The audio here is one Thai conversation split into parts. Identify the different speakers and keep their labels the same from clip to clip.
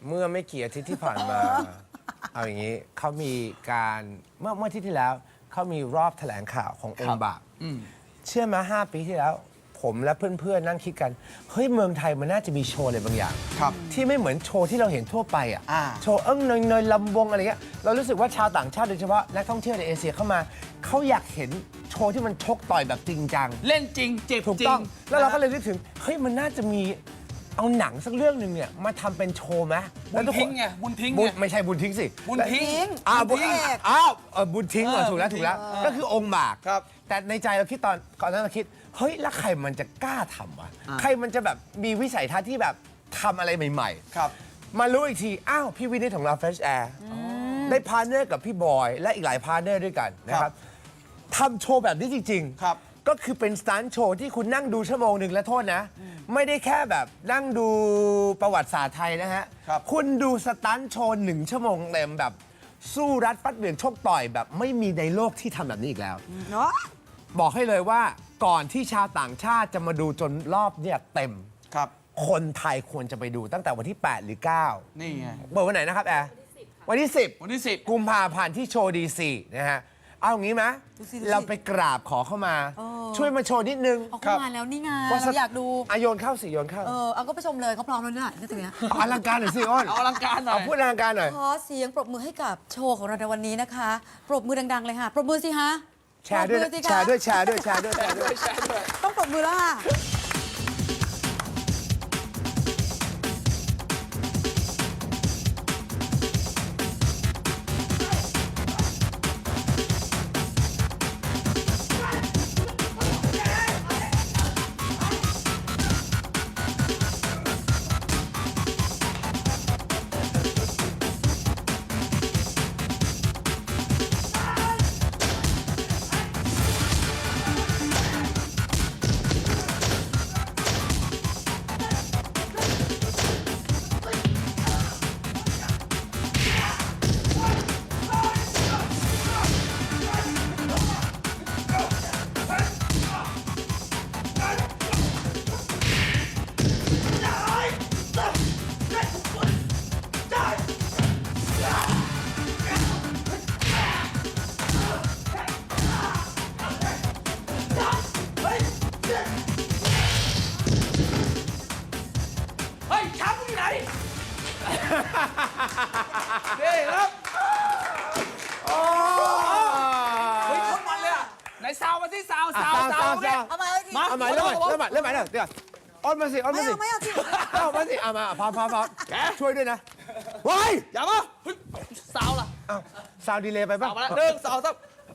Speaker 1: เมื่อไม่กี่อาทิตย์ที่ผ่านมา เอาอย่างนี้เขามีการเมื่ออาทิตย์ที่แล้วเขามีรอบแถลงข่าวขององค์บากเชื่อมา5 ปีที่แล้ว ผมและเพื่อนๆนั่งคิดกันเฮ้ยเมืองไทยมันน่าจะมีโชว์อะไรบางอย่างที่ไม่เหมือนโชว์ที่เราเห็นทั่วไปอ่ะโชว์เนยลำวงอะไรเงี้ยเรารู้สึกว่าชาวต่างชาติโดยเฉพาะนักท่องเที่ยวในเอเชียเข้ามาเขาอยากเห็นโชว์ที่มันชกต่อยแบบจริงจัง
Speaker 2: เล่นจริงเจ็บจริง
Speaker 1: ถูกต้องแล้วเราก็เลยนึกถึงเฮ้ยมันน่าจะมีเอาหนังสักเรื่องหนึ่งเนี่ยมาทำเป็นโชว์ไหม
Speaker 2: บุญทิ้งไงบุญทิ้งไง
Speaker 1: ไม่ใช่บุญทิ้งสิ
Speaker 2: บุญทิ้ง
Speaker 1: บุญทิ้งถูกแล้วก็คือองค์บากแต่ในใจเราคิดก่อนนั้นเราคิดเฮ้ยแล้วใครมันจะกล้าทำวะใครมันจะแบบมีวิสัยทัศน์ที่แบบทำอะไรใหม่ๆมารู้อีกทีอ้าวพี่วินิจของเรา Fresh Air ได้พาร์ทเนอร์กับพี่บอยและอีกหลายพาร์ทเนอร์ด้วยกันนะครับทำโชว์แบบนี้จริงๆก็คือเป็นสตันท์โชว์ที่คุณนั่งดูชั่วโมงหนึ่งและโทษนะไม่ได้แค่แบบนั่งดูประวัติศาสตร์ไทยนะฮะคุณดูสตันท์โชว์1 ชั่วโมงเต็มแบบสู้รัดฟัดเหวี่ยงชกต่อยแบบไม่มีในโลกที่ทำแบบนี้อีกแล้วบอกให้เลยว่าก่อนที่ชาวต่างชาติจะมาดูจนรอบเนี่ยเต็มคนไทยควรจะไปดูตั้งแต่วันที่8 หรือ 9
Speaker 2: นี่ไง
Speaker 1: เปิดวันไหนนะครับแอร์วันที่10กุมภาพันธ์ที่โชว์ดีซีนะฮะเอาอย่างนี้ไหมเราไปกราบขอเข้ามาช่วยมาโชว์นิดนึง
Speaker 3: เข้ามาแล้วนี่ไงเราอยากดู
Speaker 1: โยนเข้าสิโยนเข้า
Speaker 3: เอาก็ไปชมเลยเขาพร้อมแล้วเนี่ยนี่ตรงนี้
Speaker 1: อลังการหน่อยสิอ้น
Speaker 2: เอาอลังการหน่อย
Speaker 1: พูดอลังการหน่อย
Speaker 3: ขอเสียงปรบมือให้กับโชว์ของเราในวันนี้นะคะปรบมือดังๆเลยค่ะปรบมือสิฮะ
Speaker 1: แชร์ด้วย
Speaker 3: ต้องปรบมือแล้วค่ะ
Speaker 2: นี่ครับเฮ้ยคนมันเลยอ่ะไหนซาวมาที่ซาวเนี่ย
Speaker 3: เอามา
Speaker 1: เริ่มใหม่เดี๋ยวอ้นมาสิ
Speaker 3: ไม่เอาสิ
Speaker 1: เอามาสิมาพร้อมช่วยด้วยนะว้าย
Speaker 2: อย่ามาซาวล่ะ
Speaker 1: ซาวดีเลยไปป่ะ
Speaker 2: มาแล้ว1 2 3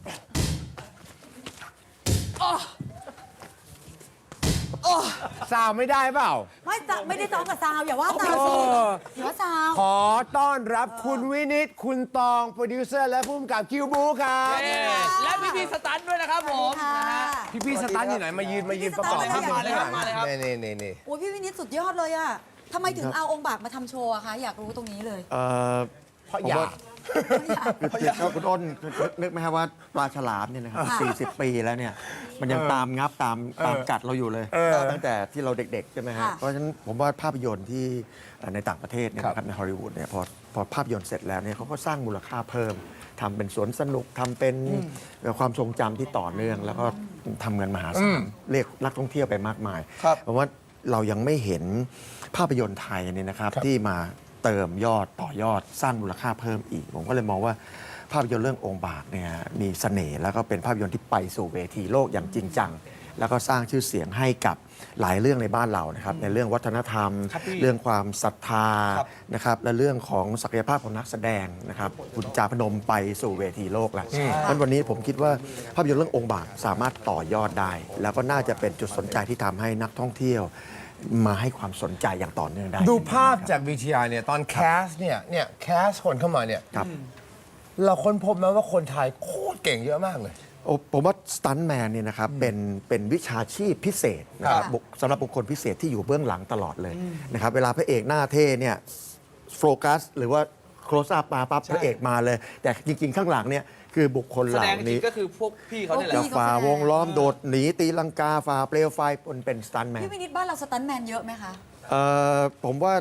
Speaker 1: ซาวไม่ได้เปล่า
Speaker 3: ไม่ได้ซ้อมกับซาวอย่าว่าซาวสิอย่าว่าซาว
Speaker 1: ขอต้อนรับคุณวินิจคุณตองโปรดิวเซอร์และผู้กำกับคิวบูครับ
Speaker 2: และพี่สตันด้วยนะครับผม
Speaker 1: พี่สตันอยู่ไหนมายืนประกอบที่
Speaker 2: มาเลยครับ
Speaker 1: นี่
Speaker 3: โอ้ยพี่วินิจสุดยอดเลยอะทำไมถึงเอาองค์บากมาทำโชว์อะคะอยากรู้ตรงนี้เลย
Speaker 1: เพราะอยาก
Speaker 4: คุณอ้นนึกไหมครับว่าปลาฉลามเนี่ยนะครับ40 ปีแล้วเนี่ยมันยังตามงับตามกัดเราอยู่เลยตั้งแต่ที่เราเด็กๆใช่ไหมฮะเพราะฉะนั้นผมว่าภาพยนตร์ที่ในต่างประเทศเนี่ยนะครับในฮอลลีวูดเนี่ยพอภาพยนตร์เสร็จแล้วเนี่ยเขาก็สร้างมูลค่าเพิ่มทำเป็นสวนสนุกทำเป็นความทรงจำที่ต่อเนื่องแล้วก็ทำเงินมหาศาลเรียกนักท่องเที่ยวไปมากมายเพราะว่าเรายังไม่เห็นภาพยนตร์ไทยเนี่ยนะครับที่มาเติมยอดต่อยอดสร้างมูลค่าเพิ่มอีกผมก็เลยมองว่าภาพยนตร์เรื่ององค์บากเนี่ยมีเสน่ห์แล้วก็เป็นภาพยนตร์ที่ไปสู่เวทีโลกอย่างจริงจังแล้วก็สร้างชื่อเสียงให้กับหลายเรื่องในบ้านเรานะครับในเรื่องวัฒนธรรมเรื่องความศรัทธานะครับและเรื่องของศักยภาพของนักแสดงนะครับคุณจาพนมไปสู่เวทีโลกแล้วเพราะวันนี้ผมคิดว่าภาพยนตร์เรื่ององค์บากสามารถต่อยอดได้แล้วก็น่าจะเป็นจุดสนใจที่ทำให้นักท่องเที่ยวมาให้ความสนใจอย่างต่อเนื่องได้
Speaker 1: ดูภาพจาก VTR เนี่ยตอนแคสเนี่ยแคสคนเข้ามาเนี่ยเราค้นพบไหมว่าคนไทยโคตรเก่งเยอะมากเลย
Speaker 4: ผมว่าสตันท์แมนเนี่ยนะครับเป็นวิชาชีพพิเศษนะครับสำหรับบุคคลพิเศษที่อยู่เบื้องหลังตลอดเลยนะครับเวลาพระเอกหน้าเท่เนี่ยโฟกัสหรือว่าโคลสอัพมาปั๊บพระเอกมาเลยแต่จริงๆข้างหลังเนี่ยคือบุคคลเหล่านี้
Speaker 2: ก็คือพวกพี่เขาเนี่ยแหละ
Speaker 4: ฝ่าวงล้อมโดดหนีตีลังกาฝ่าเปลวไฟเป็นสตันท์แมน
Speaker 3: พี่วินิจบ้านเราสตันท์แมนเยอะไหมคะ
Speaker 4: ผมว่า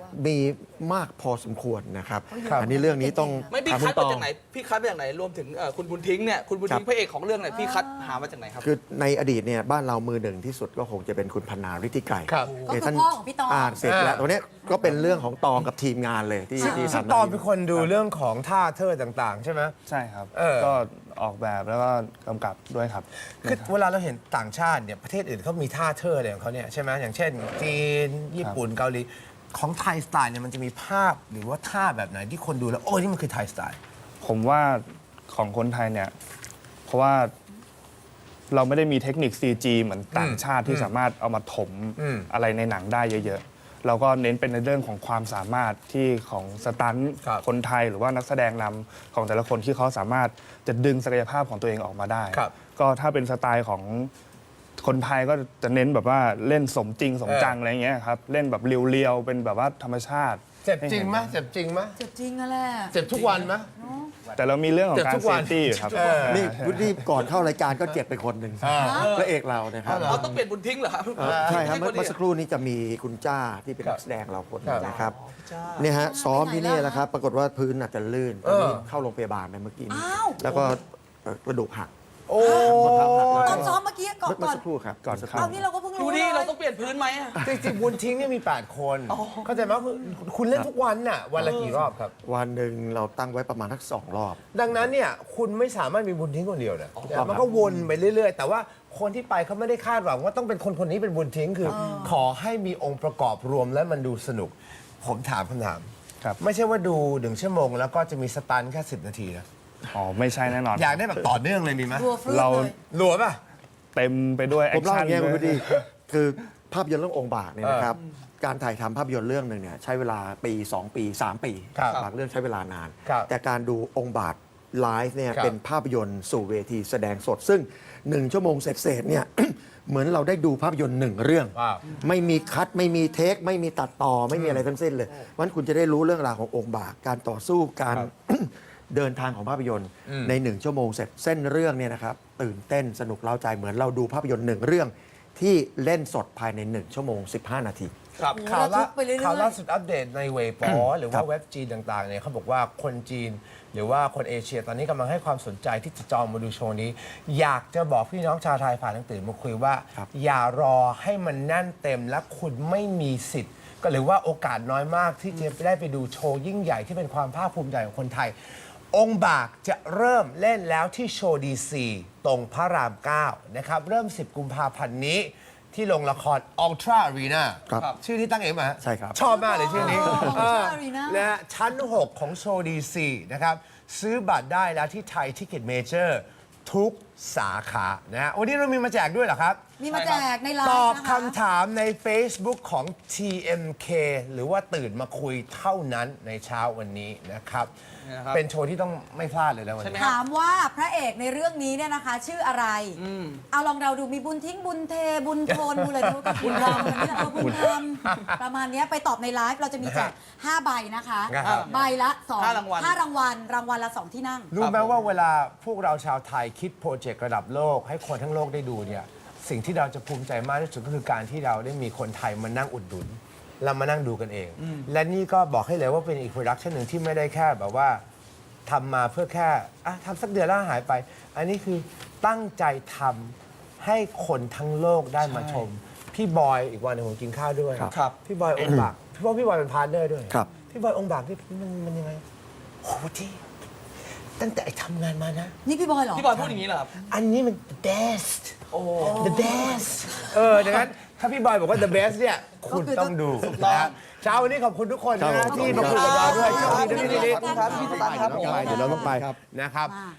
Speaker 4: มีมากพอสมควรนะครับ อันนี้เรื่องนี้ต้อง
Speaker 2: ไม่พี่
Speaker 4: ถาม
Speaker 2: คั
Speaker 4: คุ
Speaker 2: ด
Speaker 4: ณต
Speaker 2: มา
Speaker 4: อง
Speaker 2: จากไหนพี่คัดมาจากไหนรวมถึงคุณบุญทิ้งเนี่ยคุณบุญทิ้งพระเอกของเรื่องเนี่ยพี่คัดหามาจากไหนครับ
Speaker 4: คือในอดีตเนี่ยบ้านเรามือหนึ่งที่สุดก็คงจะเป็นคุณพนาฤทธิไกร
Speaker 1: ครับ
Speaker 3: ก็คือ
Speaker 4: ท่าน
Speaker 3: พ่อของพี่ตอง
Speaker 4: อ่านเสร็จแล้วตัวเนี้ยก็เป็นเรื่องของตองกับทีมงานเลยที่ที่
Speaker 1: ซึ่ง
Speaker 4: ทำ
Speaker 1: ตอนเป็นคนดูเรื่องของท่าเทิดต่างๆ ใช่ไหม
Speaker 5: ใช่ครับ
Speaker 1: เออ
Speaker 5: ก็ออกแบบแล้วก็กำกับด้วยครับ
Speaker 1: คือเวลาเราเห็นต่างชาติเนี่ยประเทศอื่นเขามีท่าเทิดอะไรของเขาเนี่ยใช่ไหมอย่างเช่นจีนญี่ปุ่นเกาหลีของไทยสไตล์เนี่ยมันจะมีภาพหรือว่าท่าแบบไหนที่คนดูแล้วโอ้ยนี่มันคือไทยสไตล์
Speaker 5: ผมว่าของคนไทยเนี่ย เพราะว่าเราไม่ได้มีเทคนิค CG เหมือนต่างชาติที่สามารถเอามาถม
Speaker 1: อืม
Speaker 5: อะไรในหนังได้เยอะๆ เราก็เน้นเป็นในเรื่องของความสามารถที่ของสตันท์
Speaker 1: ครับ
Speaker 5: คนไทยหรือว่านักแสดงนำของแต่ละคนที่เขาสามารถจะดึงศักยภาพของตัวเองออกมาได้
Speaker 1: ครับ
Speaker 5: ก็ถ้าเป็นสไตล์ของคนไทยก็จะเน้นแบบว่าเล่นสมจริงสมจังอะไรเงี้ยครับเล่นแบบเรียวๆเป็นแบบว่าธรรมชาติ
Speaker 1: เจ็บจริงไหมเจ็บจริงไหม
Speaker 3: เจ็บจริงอะแหละ
Speaker 1: เจ็บทุกวันไหม
Speaker 5: แต่เรามีเรื่องของการ
Speaker 1: เจ็บทุก
Speaker 5: เซ
Speaker 1: วัน
Speaker 5: ฟตี้อยู่ครับ
Speaker 4: นี่พุทธิก่อนเข้ารายการก็เจ็บไปคนหนึ่งพระเอกเรานะครับ
Speaker 2: เราต้องเปลี่ยนบุญทิ้งเหรอครับ
Speaker 4: ใช่ครับ
Speaker 2: ไม่
Speaker 4: เมื่อ
Speaker 2: ใช่
Speaker 4: สักครู่นี้จะมีคุณจ้าที่เป็นนักแสดงเราคนหนึ่งนะครับ
Speaker 2: จ้า
Speaker 4: เนี่ยฮะซ้อมที่นี่แหละครับ ปรากฏว่าพื้นอาจจะลื่นตอนนี้เข้าโรงพยาบาลไปเมื่อกี้นี้
Speaker 3: อ้าว
Speaker 4: แล้วก็กระดูกหัก
Speaker 1: โอ้
Speaker 4: ข้อเท้าหัก
Speaker 3: ตอนซ้อมเมื่อกี้ก่อน
Speaker 4: เมื่อสักครู่ครับ
Speaker 5: ก่อนเข้า
Speaker 3: เอานี่เราก็เพิ่ง
Speaker 2: ดู
Speaker 3: รู้
Speaker 2: นี่
Speaker 3: เลย
Speaker 2: เราต้องเปลี่ยนพื้นไหมอะ
Speaker 1: จริงๆบุญทิ้งเนี่ยมี 8 คน เข้าใจไหมคือคุณเล่นทุกวันน่ะวันละกี่รอบครับ
Speaker 4: วันหนึ่งเราตั้งไว้ประมาณทัก2 รอบ
Speaker 1: ดังนั้นเนี่ยคุณไม่สามารถมีบุญทิ้งคนเดียวนะ
Speaker 4: ครับ
Speaker 1: มันก็วนไปเรื่อย ๆ แต่ว่าคนที่ไปเขาไม่ได้คาดหวังว่าต้องเป็นคนคนนี้เป็นบุญทิ้งคือ ขอให้มีองค์ประกอบรวมแล้วมันดูสนุก ผมถามคำถาม
Speaker 5: ครับ
Speaker 1: ไม่ใช่ว่าดู1 ชั่วโมงแล้วก็จะมีสตันแค่10 นาทีนะ
Speaker 5: อ๋อไม่ใช่แน่นอน
Speaker 1: อยากได้แบบต่อเนื่องเลยมีไหม
Speaker 3: รัวฟลุ๊
Speaker 5: เรา
Speaker 3: เลย
Speaker 1: หลัวป่ะ
Speaker 5: เต็มไปด้วยแอ
Speaker 4: ผ
Speaker 5: ค
Speaker 4: มเล่าอ
Speaker 5: ชั่น
Speaker 4: ย่างเงี้ยคุณ
Speaker 5: เล
Speaker 4: พุทธิคือภาพยนตร์เรื่ององค์บากเนี่ยนะครับ การถ่ายทำภาพยนตร์เรื่องหนึ่งเนี่ยใช้เวลาปี 2 ปี 3 ปี
Speaker 1: ครับ
Speaker 4: บางเรื่องใช้เวลานาน
Speaker 1: ครับ
Speaker 4: แต่การดูองค์บากไลฟ์เนี่ย
Speaker 1: ครับ
Speaker 4: เป็นภาพยนตร์สู่เวทีแสดงสด ซึ่ง 1 ชั่วโมงเศษๆเนี่ย เหมือนเราได้ดูภาพยนตร์1 เรื่อง
Speaker 1: ว้าว
Speaker 4: ไม่มีคัดไม่มีเทค ไม่มีตัดต่อไม่มีอะไรทั้งสิ้นเลยวันคุณจะได้รู้เรื่องราวขององค์บากการต่อสู้การ เดินทางของภาพยนตร์ใน 1 ชั่วโมงเสร็จเส้นเรื่องเนี่ยนะครับตื่นเต้นสนุกเร้าใจเหมือนเราดูภาพยนตร์1 เรื่อง ที่เล่นสดภายใน 1 ชั่วโมง 15 นาที
Speaker 2: ครับ
Speaker 1: ข่าวล่า
Speaker 3: ระทึกไปเรื่อยๆ
Speaker 1: ข่าวล่าสุดอัปเดตในเว็บปอหรือว่าเว็บจีนต่างๆเนี่ยเขาบอกว่าคนจีน หรือว่าคนเอเชียตอนนี้กำลังให้ความสนใจที่จะจองมาดูโชว์นี้ อยากจะบอกพี่น้องชาวไทยผ่านหนังตื่นมาคุยว่า
Speaker 4: ครับ
Speaker 1: อย่ารอให้มันแน่นเต็มและคุณไม่มีสิทธิ์ ก็หรือว่าโอกาสน้อยมากที่จะได้ไปดูโชว์ยิ่งใหญ่ที่เป็นความภาคภูมิใจของคนไทย องค์บากจะเริ่มเล่นแล้วที่โชว์ดีซีตรงพระราม 9 นะครับ เริ่ม 10 กุมภาพันธ์นี้ ที่โรงละคร Ultra Arena
Speaker 4: ครับ
Speaker 1: ชื่อนี้ตั้งเองมา
Speaker 4: ใช่ครับ
Speaker 1: ชอบมากเลยชื่อนี้
Speaker 3: Ultra Arena
Speaker 1: นะฮะชั้น 6 ของโชว์ดีซีนะครับ ซื้อบัตรได้แล้วที่ไทยทิกเก็ตเมเจอร์ทุกสาขานะฮะวันนี้เรามีมาแจกด้วยเหรอครับ
Speaker 3: มีมาแจกในไล
Speaker 1: ต
Speaker 3: น์
Speaker 1: อบ
Speaker 3: นะคะ
Speaker 1: คำถามใน Facebook ของ TMK หรือว่าตื่นมาคุยเท่านั้นในเช้าวันนี้นะครับ
Speaker 2: นี่นะครับ
Speaker 1: เป็นโชว์ที่ต้องไม่พลาดเลยนะวัน
Speaker 2: ใช่ไหม
Speaker 1: นี้
Speaker 3: ถามว่าพระเอกในเรื่องนี้เนี่ยนะคะ ชื่ออะไร เอาลองเราดูมีบุญทิ้งบุญเทบุญโทนบุญอะไรดูกับบุญรำนี่แหละบุญธรรมประมาณเนี้ยไปตอบในไลฟ์เราจะมีแจก5 ใบนะคะ
Speaker 1: ครับ
Speaker 3: ใบละ2
Speaker 2: ห้ารางวัล
Speaker 3: 5 รางวัลรางวัลละ 2 ที่นั่ง
Speaker 1: รู้ไหมว่าเวลาพวกเราชาวไทยคิดโปรเจกต์ระดับโลก ให้คนทั้งโลกได้ดูเนี่ยสิ่งที่เราจะภูมิใจมากที่สุดก็คือการที่เราได้มีคนไทยมานั่งอุดหนุนเรามานั่งดูกันเอง และนี่ก็บอกให้เลยว่าเป็นอีกโปรดักชันหนึ่งที่ไม่ได้แค่แบบว่าทำมาเพื่อแค่ทำสักเดือนแล้วหายไป อันนี้คือตั้งใจทำให้คนทั้งโลกได้มาชม พี่บอยอีกวันหนึงผมกินข้าวด้วย
Speaker 2: ครับ
Speaker 1: พี่บอยองค์บากพี่ว่าพี่บอยเป็นพาร์ทเนอร์ด้วย
Speaker 4: ครับ
Speaker 1: พี่บอยองค์บากนี่มันยังไงโอ้โหที่ตั้งแต่ทำงานมานะ
Speaker 3: นี่พี่บอยเหรอ
Speaker 2: พี่บอยพูดอย่างนี้เหรอครับ
Speaker 1: อันนี้มัน the best
Speaker 2: โอ้
Speaker 1: the best ดังนั้นถ้าพี่บอยบอกว่า the best เนี่ย คุณต้องดูนะครับเช้าวันนี้ขอบคุณทุกคนนะที่มาคุยกับเราด้วยโชคดีด้วยพี่นิด
Speaker 2: ขอบคุณครับพี่สตางค์ครับผม
Speaker 1: เดี๋ยวเราต้องไปนะครับ